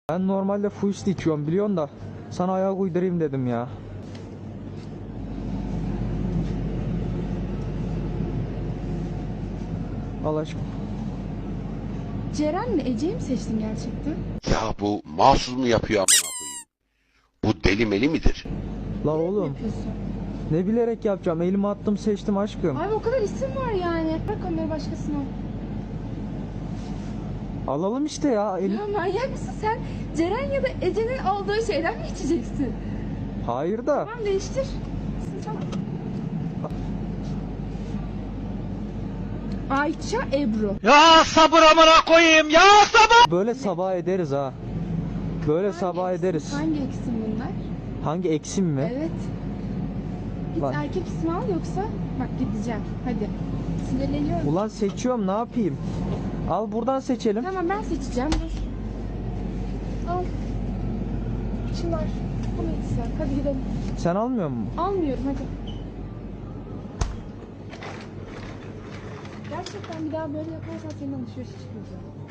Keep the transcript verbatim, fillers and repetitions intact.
Ben normalde full içiyorum biliyorsun da sana ayak uydurayım dedim ya. Al aşkım. Ceren'le Ece'yi mi seçtin gerçekten? Ya bu mahsus mu yapıyor amına koyayım? Bu deli meli midir? La oğlum Yapıyorsun. ne bilerek yapacağım, elime attım seçtim aşkım. Abi o kadar isim var yani. Bırak onları başkasına. Alalım işte ya. El... Ya manyak mısın sen? Ceren ya da Ece'nin aldığı şeyden mi içeceksin? Hayır da. Tamam değiştir. Tamam. Ayça Ebru. Ya sabır amına koyayım ya sabır. Böyle sabah ederiz ha. Böyle Hangi sabah isim- ederiz. Hangi isim bunlar? Hangi eksim mi? Evet. Git Lan. erkek ismi al yoksa bak gideceğim. Hadi. Sinirleniyorum. Ulan seçiyorum, ne yapayım? Al buradan seçelim. Tamam ben seçeceğim. Dur. Al. Çınar. Bunu içsen. Hadi gidelim. Sen almıyor musun? Almıyorum hadi. Gerçekten bir daha böyle yaparsan senin alışverişe çıkmayacağım.